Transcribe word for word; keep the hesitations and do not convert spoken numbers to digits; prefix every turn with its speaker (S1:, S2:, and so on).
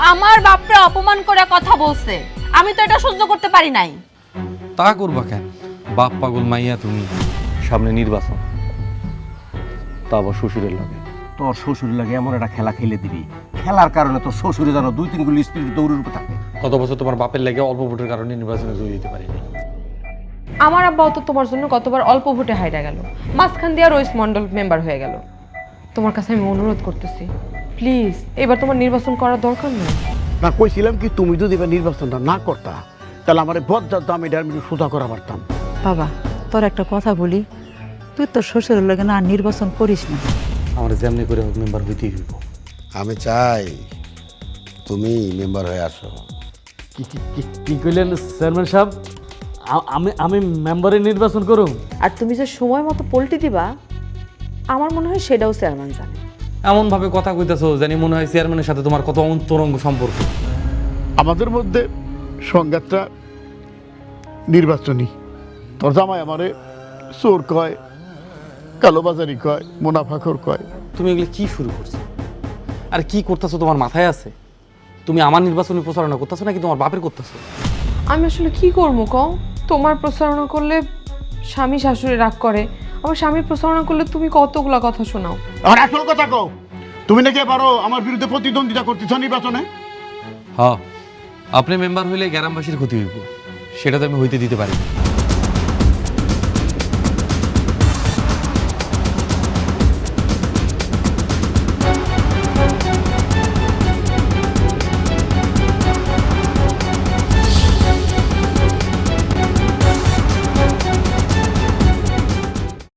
S1: আমার বাপরে অপমান করে কথা বলছে, আমি তো এটা সহ্য করতে পারি নাই।
S2: তা করবা কেন? বাপ পাগল মাইয়া তুমি। সামনে নির্বাচন, তা আবার শ্বশুরের লাগে।
S3: তোর শ্বশুর লাগে এমন একটা খেলা খেলে দিবি, খেলার কারণে তোর শ্বশুরে যেন দুই তিন গুলি স্পিড দৌড়ের উপর থাকে।
S2: গত বছর তোমার বাপের লেগে অল্প ভোটের কারণে নির্বাচনে জয়ী দিতে পারিনি।
S4: আমার আব্বাও তো তোমার জন্য কতবার অল্প ভোটে হাইরা গেল, মাঝখান দিয়ে রইস মন্ডল মেম্বার হয়ে গেল। তোমার কাছে আমি অনুরোধ করতেছি, প্লিজ এবার তোমার নির্বাচন করার দরকার নেই।
S5: না কইছিলাম কি তুমি যদি এবার নির্বাচনটা না করতা তাহলে আমার বজ্জার দাম এটা আমি সোজা করা পারতাম।
S6: বাবা তোর একটা কথা বলি, তুই তোর শ্বশুরের লাগে না আর নির্বাচন করিস না।
S2: আমার যেমনি করে হোক মেম্বার হইতেই হইব।
S7: আমি চাই তুমি মেম্বার হয়ে আসো।
S8: কি কি- কি- কি কইলেন চেয়ারম্যান সাহেব? আ- আমি আমি মেম্বারে নির্বাচন করুম?
S4: আর তুমি যে সময় মতো পল্টি দিবা, আমার মনে হয় সেটাও চেয়ারম্যান জানে।
S2: এমন ভাবে কথা কইতাছো জানি মনে হয় চেয়ারম্যানের সাথে তোমার কত অন্তরঙ্গ সম্পর্ক।
S5: আমাদের মধ্যে সংঘাতটা নির্বাচনী। তোর জামাই আমারে চোর কয়, কালোবাজারি কয়, মুনাফাখোর কয়।
S2: তুমি এগুলো কি শুরু করছো আর কি করতেছো তোমার মাথায় আছে? তুমি আমার নির্বাচনী প্রচারণা করতেছো নাকি তোমার বাপের করতেছো?
S4: আমি আসলে কি করবো কও? তোমার প্রচারণা করলে স্বামী শাশুড়ি রাগ করে, আমার স্বামীর প্রচারণা করলে তুমি কতগুলা কথা শোনাও।
S5: আর আসল কথা কও, তুমি নাকি পারো আমার বিরুদ্ধে প্রতিদ্বন্দ্বিতা করতেছ নির্বাচনে?
S2: হ্যাঁ, আপনি মেম্বার হইলে গ্রামবাসীর ক্ষতি হইব, সেটা তো আমি হইতে দিতে পারি না।